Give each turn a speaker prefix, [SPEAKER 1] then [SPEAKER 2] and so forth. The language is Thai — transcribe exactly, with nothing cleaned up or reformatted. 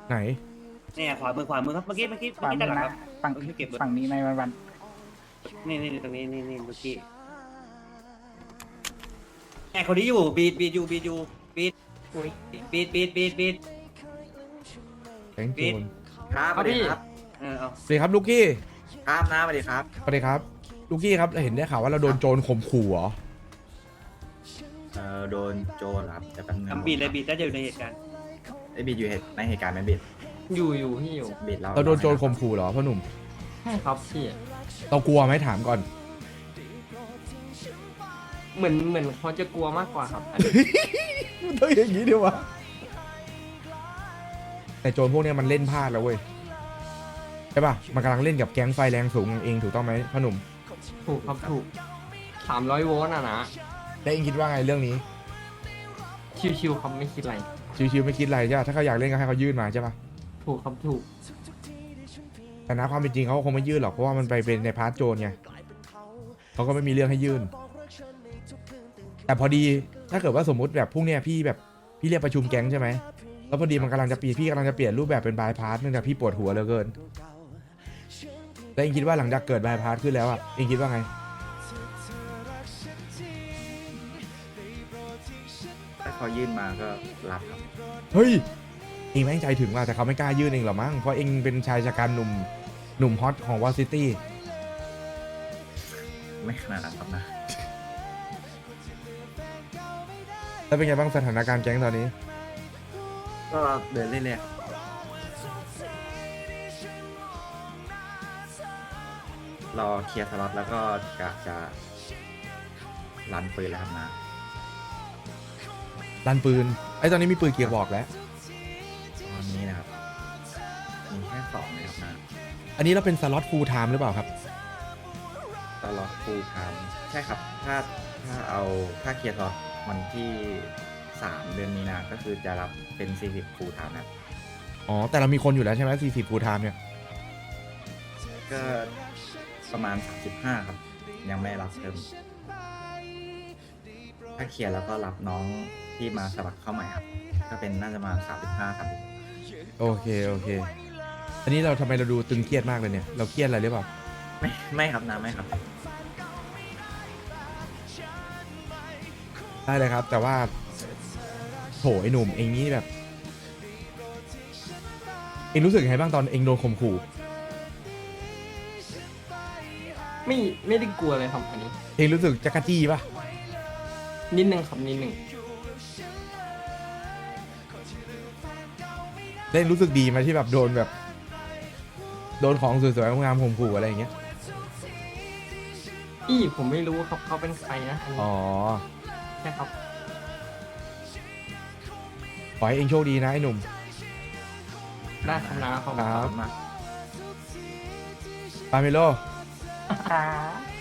[SPEAKER 1] ไหน
[SPEAKER 2] เนี่ยขวามือขวามือครับเมื่อกี้เมื่อกี้เมื่อกี้ด้านหลังครับ
[SPEAKER 3] ฝั่ง
[SPEAKER 2] เมื่อกี้เก็บรถ
[SPEAKER 3] ฝั่งนี้ในวันวัน
[SPEAKER 2] นี่นี่ตรงนี้นี่นี่เมื่อกี้แอบคนนี้อยู่บีดบีดอยู่บีดอยู่บีด
[SPEAKER 3] อุ้ย
[SPEAKER 2] บีดบีดบีดบีด
[SPEAKER 1] แก๊งโจร
[SPEAKER 4] ครับสวัสดีครับ
[SPEAKER 2] เออเอา
[SPEAKER 1] สวัสดีครับลูกกี้
[SPEAKER 4] ครับน้าสวัสดีครับ
[SPEAKER 1] สวัสดีครับลูกกี้ครับเห็นได้ข่าวว่าเราโดนโจรข่มขู่เหรอ
[SPEAKER 4] เอ่อโดนโจรเหรอครับแต่แป๊บนึง
[SPEAKER 2] ทำบีดเลยบีดน่าจะอยู่ในเหตุการณ์
[SPEAKER 4] ไอ้บีดอยู่เหตุในเหตุการณ์ไหมบีด
[SPEAKER 5] อยู่อยู่พี่อยู่
[SPEAKER 4] บีดเรา
[SPEAKER 1] เราโดนโจรข่มขู่เหรอพ่อหนุ่ม
[SPEAKER 5] ใช่ครับพี่
[SPEAKER 1] เรากลัวไหมถามก่อน
[SPEAKER 5] เหมือนเหมือนเขาจะกลัวมากกว่าครับอันนี้
[SPEAKER 1] ต้องอย่างนี้ดีวะแต่โจรพวกเนี้ยมันเล่นพลาดแล้วเว้ยใช่ป่ะมันกำลังเล่นกับแก๊งไฟแรงสูงเองถูกต้องไหมพ่อหนุ่ม
[SPEAKER 5] ถูกครับถูกสามร้อยโวลต์อ่ะนะ
[SPEAKER 1] แล้วเองคิดว่าไงเรื่องนี้
[SPEAKER 5] ชิวๆครับไม่คิดอะไร
[SPEAKER 1] ชิวๆไม่คิดอะไรใช่ป่ะถ้าเขาอยากเล่นก็ให้เขายื่นมาใช่ป่ะ
[SPEAKER 5] ถูกครับถูก
[SPEAKER 1] แต่นะความเป็นจริงเขาก็คงไม่ยื่นหรอกเพราะว่ามันไปเป็นในพาร์ทโจรไงเขาก็ไม่มีเรื่องให้ยื่น แต่พอดีถ้าเกิดว่าสมมุติแบบพรุ่งเนี้ยพี่แบบพี่เรียกประชุมแก๊งใช่ไหมแล้วพอดีมันกำลังจะเปลี่ยนพี่กำลังจะเปลี่ยนรูปแบบเป็นบายพาสเนื่องจากพี่ปวดหัวเหลือเกินแล้วเองคิดว่าหลังจากเกิดบายพาสขึ้นแล้วอ่ะเองคิดว่าไง
[SPEAKER 4] ถ้าเขายื่นมาก็รับครับ
[SPEAKER 1] เฮ้ยเองแม่งใจถึงว่ะแต่เขาไม่กล้ายื่นเองหรอมั้งเพราะเองเป็นชายชะกันหนุ่มหนุ่มฮอตของวอลซิตี้
[SPEAKER 4] ไม่ขนาดนั้นครับนะ
[SPEAKER 1] แล้วเป็นไงบ้างสถานการณ์แก๊งตอนนี้
[SPEAKER 4] ก็เดินเรื่อยๆครับรอเคลียร์สล็อตแล้วก็กะจะรันปืนแล้วครับนะ
[SPEAKER 1] ลันปืนไอ้ตอนนี้มีปืนเกียร์บอกแล้ว
[SPEAKER 4] ตอนนี้นะครับมีแค่สองเลยครับนะ
[SPEAKER 1] อันนี้เราเป็นสล็อตฟูลไทม์หรือเปล่าครับ
[SPEAKER 4] สล็อตฟูลไทม์ใช่ครับถ้าถ้าเอาถ้าเคลียร์สล็อตวันที่สามเดือนมีนาก็คือจะรับเป็นสี่สิบฟูลไทม์นะครับ
[SPEAKER 1] อ๋อแต่เรามีคนอยู่แล้วใช่ไหมสี่สิบฟูลไทม์เนี่ย
[SPEAKER 4] ก็ประมาณสามสิบห้าครับ ยังไม่รับเพิ่มถ้าเคลียร์แล้วก็รับน้องที่มาสมัครเข้าใหม่ครับ ก็เป็นน่าจะมาสามสิบห้าครับ
[SPEAKER 1] โอเคโอเค อันนี้เราทำไมเราดูตึงเครียดมากเลยเนี่ยเราเครียดอะไรหรือเปล่า
[SPEAKER 4] ไม่ไม่ครับนะไม่ครับ
[SPEAKER 1] ได้เลยครับ แต่ว่าโถไอ้หนุ่มเองนี่แบบ เองรู้สึกยังไงบ้างตอนเองโดนข่มขู่
[SPEAKER 5] ไม่ไม่ได้กลัวเลยครับอันนี้
[SPEAKER 1] เองรู้สึกจักรจี้ปะ
[SPEAKER 5] นิดนึงครับนิดนึง
[SPEAKER 1] แล้วเองรู้สึกดีไหมที่แบบโดนแบบ โดนของสวยๆงามๆข่มขู่อะไรอย่างเงี้ย
[SPEAKER 5] พี่ผมไม่รู้ครับเขาเป็นใครนะอันนี้
[SPEAKER 1] อ๋อ
[SPEAKER 5] ใช่ครับ
[SPEAKER 1] ขอให้เองโชคดีนะไอ้หนุ่ม
[SPEAKER 5] ได้ครับนะขอบคุณ
[SPEAKER 1] ค
[SPEAKER 5] ค
[SPEAKER 1] รั
[SPEAKER 5] รับ
[SPEAKER 4] มาก
[SPEAKER 1] ปาเมโล
[SPEAKER 3] ครับ